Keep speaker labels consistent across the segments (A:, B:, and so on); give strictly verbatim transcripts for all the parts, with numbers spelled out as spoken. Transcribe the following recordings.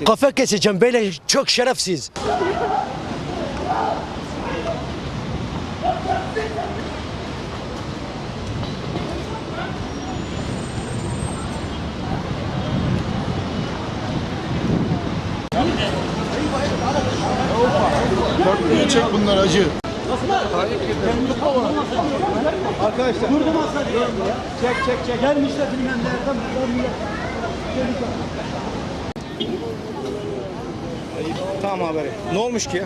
A: keseceksin?
B: Kafa keseceğim böyle çok şerefsiz.
C: Niye çek bunlar acı?
A: Arkadaşlar.
D: Durdum aslında. Çek çek çek. Gelmişler bilmem nereden.
A: Tamam haberi. Ne olmuş ki ya?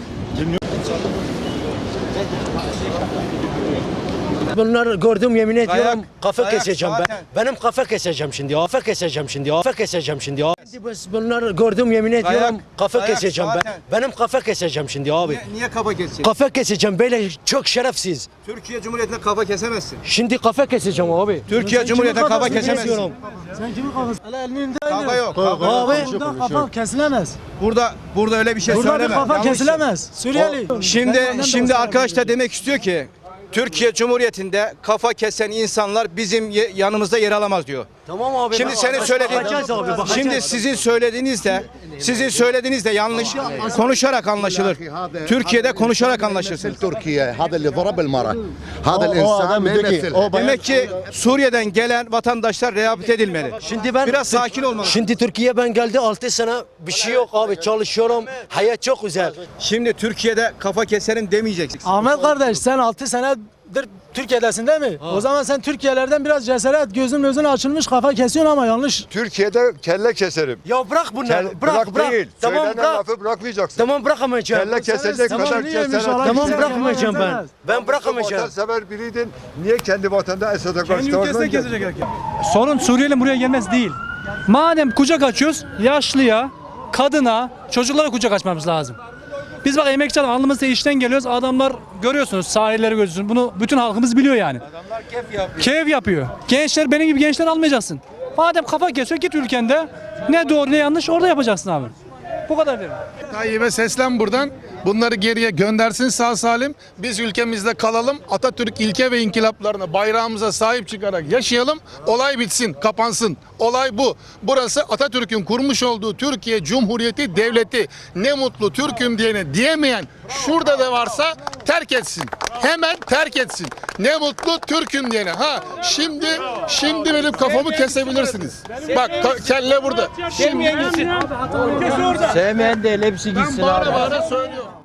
B: Bunları gördüm yemin ediyorum
A: Dayak,
B: kafa
A: dayak
B: keseceğim ben.
A: zaten.
B: Benim kafa keseceğim şimdi. Kafa keseceğim şimdi. Kafa keseceğim şimdi. Şimdi biz bunları gördüm yemin ediyorum
A: Dayak,
B: kafa
A: dayak
B: keseceğim ben.
A: zaten.
B: Benim kafa keseceğim şimdi abi.
A: Niye, niye kafa keseceksin?
B: Kafa keseceğim böyle çok şerefsiz.
A: Türkiye Cumhuriyeti'ne kafa kesemezsin.
B: Şimdi kafa keseceğim abi.
A: Türkiye Cumhuriyeti'ne kafa kesemezsin.
B: Diyorum.
D: Sen kimin kafası? Hele elinin
A: Kafa yok. Kafa yok.
B: Abi
D: Buradan kafa kesilemez.
A: Burada burada öyle bir şey
D: Burada bir
A: söyleme.
D: kafa
A: Yanlış.
D: kesilemez. Suriyeli.
A: O- Şimdi
D: Ben- ben de
A: şimdi
D: o
A: arkadaş da
D: sebebi
A: demek istiyor ki Türkiye Cumhuriyeti'nde kafa kesen insanlar bizim ye- yanımızda yer alamaz diyor.
B: Tamam abi.
A: Şimdi
B: bak-
A: senin
B: bak-
A: söylediğin
B: bakacağız abi, bakacağız.
A: Şimdi sizin söylediğiniz de sizin söylediğiniz de yanlış konuşarak anlaşılır. Türkiye'de konuşarak anlaşırsın.
E: تركيا هذا اللي ضرب المرأة هذا
C: o
E: الإنسان
C: adam
E: ما
C: dedi ki,
E: يمثلها
C: o bayan-
A: Demek ki Suriye'den gelen vatandaşlar rehabilite edilmeli.
B: Şimdi ben
A: Biraz sakin olmalı.
B: Şimdi Türkiye ben geldi altı sene bir şey yok abi çalışıyorum. Hayat çok güzel.
A: Şimdi Türkiye'de kafa keserim demeyeceksin.
D: Ahmet kardeş sen altı senedir Türkiye'desin değil mi? O zaman sen Türkiye'lerden biraz cesaret, gözün gözün açılmış kafa kesiyorsun ama yanlış.
F: Türkiye'de kelle keserim.
B: Ya bırak bunları.
F: Kel-
B: bırak bırak.
F: değil.
B: Tamam
F: Söylenen
B: bırak.
F: lafı bırakacaksın.
B: Tamam bırakamayacağım.
F: Kelle kesecek
D: Tamam,
F: kadar
D: niyeymiş
F: cesaret.
D: Allah
B: Tamam
D: bilir,
B: bırakamayacağım
D: Allah
B: ben.
D: bilemez.
B: Ben bırakamayacağım.
F: Vatansever biriydin. Niye kendi vatanda Esad'a karşı savaşmadın?
G: Sorun Suriyeli buraya gelmez değil. Madem kucak açıyoruz, yaşlıya, kadına, çocuklara kucak açmamız lazım. Biz bak emekçi adam alnımızda işten geliyoruz. Adamlar görüyorsunuz, sahilleri görüyorsunuz. Bunu bütün halkımız biliyor yani.
A: Adamlar keyif yapıyor.
G: Keyif yapıyor. Gençler benim gibi gençler almayacaksın. Madem kafa kesiyor git ülkende. Ne doğru ne yanlış orada yapacaksın abi. Bu kadar derim.
C: Tayyip'e seslen buradan. Bunları geriye göndersin sağ salim. Biz ülkemizde kalalım. Atatürk ilke ve inkılaplarına, bayrağımıza sahip çıkarak yaşayalım. Olay bitsin, kapansın. Olay bu. Burası Atatürk'ün kurmuş olduğu Türkiye Cumhuriyeti Devleti. Ne mutlu Türk'üm diyene diyemeyen şurada da varsa terk etsin. Hemen terk etsin. Ne mutlu Türk'üm diyene. Ha şimdi şimdi benim kafamı kesebilirsiniz. Bak ka- kelle burada. Şimdi
H: Sevmeyen değil hepsi
C: ben
H: gitsin
C: bağıra
H: abi.
C: bağıra söylüyorum.